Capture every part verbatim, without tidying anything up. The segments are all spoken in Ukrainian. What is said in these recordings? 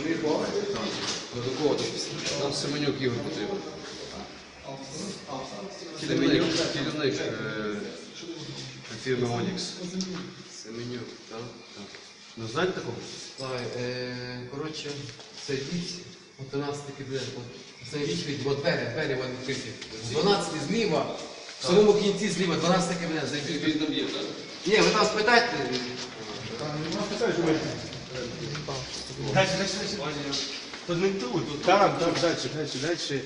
Мій хлопець? До кого там? Нам Семенюк Ігор потрібен. Семенюк, керівник фірми Онікс. Семенюк, так? Так. Ну знаєте такого? Так, коротше, це віць, от тринадцятий кабінет, це віць, от двері, двері вони відкриті. дванадцятий зліва, в самому кінці зліва, дванадцятий кабінет, зайдіть. Він там є, так? Ні, ви там спитайте. Дальше, дальше, дальше. Тут не тут, тут там, там, дальше, дальше, дальше.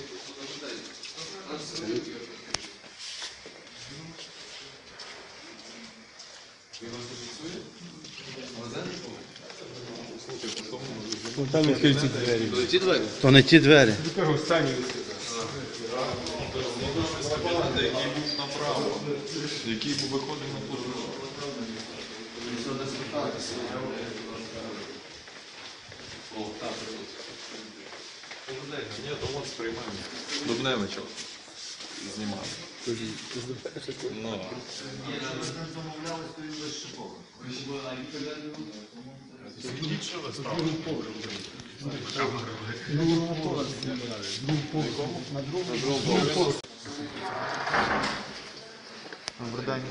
Ну, там відкриті двері. То ті двері? То не ті двері. Я кажу, стані. Який був направо, який був виходив на площу. О, так, Ні, то от сприймаємо. Дубневича знімав. Ну. Скажіть, що ви ставили? Добрий день.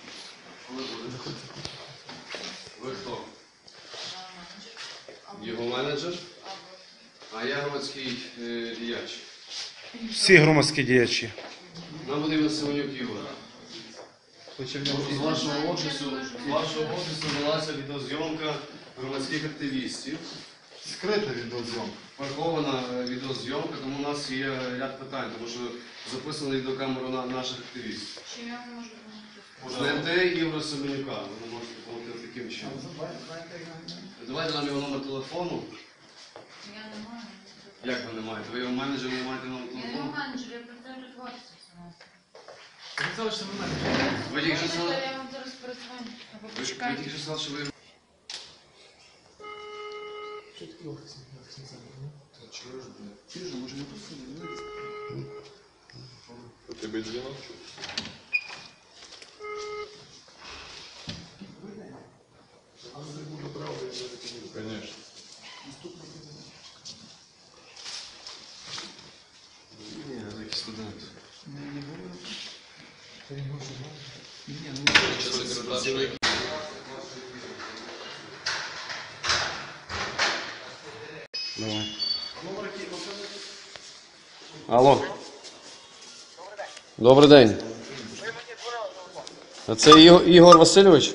ви хто? Його менеджер? А я громадський е, діяч. Всі громадські діячі. Нам потрібен Семенюк Ігор. З вашого офісу, з вашого офісу велася відеозйомка громадських активістів. Скрита відеозйомка. Прихована е, відеозйомка, тому у нас є ряд питань, тому що записано відеокамеру на наших активістів. Чим я можу допомогти? Знайти Ігоря Семенюка, ви можете допомогти таким чином. Давайте нам його номер телефону. Я не маю. Як ви не маєте? Ви його менеджер не маєте номер Я не телефону? менеджер, я представлю творчість. Ви тільки що сказали, Я вам зараз перезвоню. Або ви ви почекайте. тільки що сказали, що ви... У тебе дзвінок? Конечно. Ні, це якийсь студент. Давай. Алло. Добрий день. А це Іго- Ігор Васильович?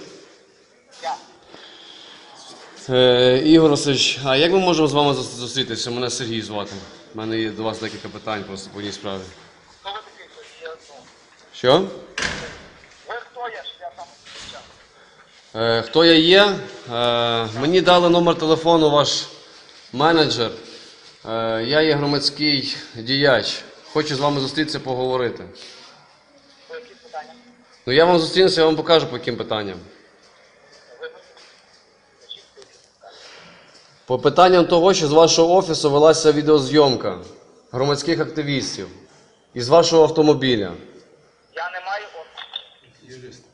Е, Ігор Васильович, а як ми можемо з вами зус- зустрітися? Мене Сергій звати. У мене є до вас декілька питань просто по одній справі. Хто ви такий, що є одну? Що? Ви хто є, що я там зустрічав? Е, хто я є? Е, мені дали номер телефону ваш менеджер. Е, я є громадський діяч. Хочу з вами зустрітися, поговорити. Ви які питання? Ну я вам зустрінуся, я вам покажу по яким питанням. Ви мені скажіть, які питання? По питанням того, що з вашого офісу велася відеозйомка громадських активістів із вашого автомобіля. Я не маю офісу.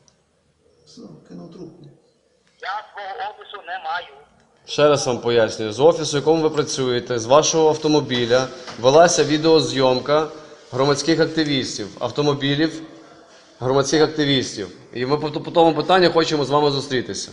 Я свого офісу не маю. Ще раз вам пояснюю, з офісу, в якому ви працюєте, з вашого автомобіля велася відеозйомка громадських активістів, автомобілів громадських активістів. І ми по, по тому питанню хочемо з вами зустрітися.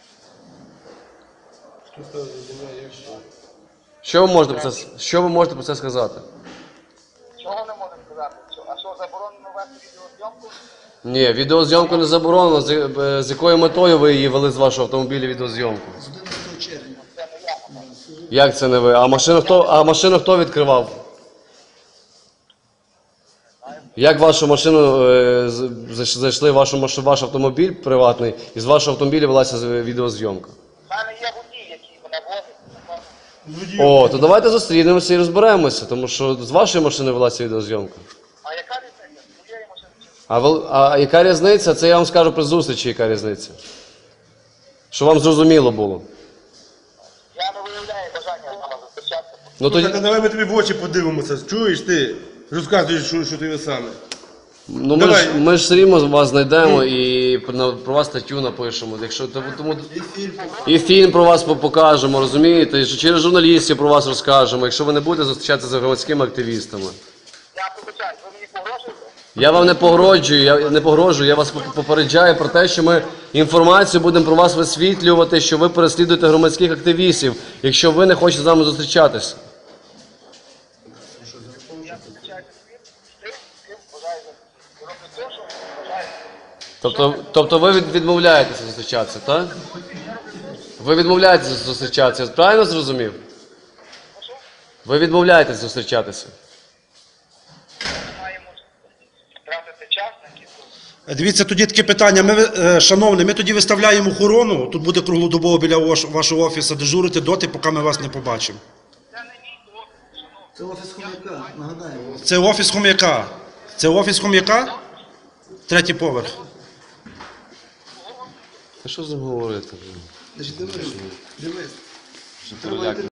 Що ви можете про це, що ви можете про це сказати? Чого не можу сказати? Що- А що, заборонено вести відеозйомку? Ні, відеозйомку не заборонено. З, е, з якою метою ви її вели з вашого автомобіля відеозйомку? Це не я, напевно. Як це не ви? А машину хто, а машину хто відкривав? Як вашу машину е, з- зайш- зайшли в вашу, маш- ваш автомобіль приватний, і з вашого автомобіля велася з- відеозйомка? У мене є водій, який мене возить. напевно. О, то давайте зустрінемося і розберемося, тому що з вашої машини велася відеозйомка. А яка різниця? З моєї машини чи з- А, вел- а яка різниця? Це я вам скажу при зустрічі, яка різниця. Щоб вам зрозуміло було. Я не виявляю бажання з вами зустрічатися. Ну, Ну, тоді, так, давай ми тобі в очі подивимося. Чуєш ти? Розказуєш, що, що ти саме. Ну, ми, Давай. ж, ми ж все рівно вас знайдемо і на- про вас статтю напишемо. Якщо, тому, тому, і фільм про вас по- покажемо, розумієте? І через журналістів про вас розкажемо, якщо ви не будете зустрічатися з громадськими активістами. Я пробачаю, ви мені погрожуєте? Я вам не погрожую, я не погрожую, я вас попереджаю про те, що ми інформацію будемо про вас висвітлювати, що ви переслідуєте громадських активістів, якщо ви не хочете з нами зустрічатися. Я пробачаю з тим, з тим, з ким вважаєте. Роблю те, що вважаєте. Тобто, тобто ви від- відмовляєтеся зустрічатися, так? Ви відмовляєтеся зустрічатися, я правильно зрозумів? Ви відмовляєтеся зустрічатися. Маємо тратити час на якісь. Дивіться, тоді таке питання. Ми, е, шановні, ми тоді виставляємо охорону. Тут буде круглодобово біля ваш- вашого офісу дежурити доти, поки ми вас не побачимо. Це не мій офіс, шановні. Це офіс хомяка, нагадаємо. Це офіс хом'яка. Це офіс хом'яка? Третій поверх. Та що з ним говорити? Значить, дивись, дивись. Вже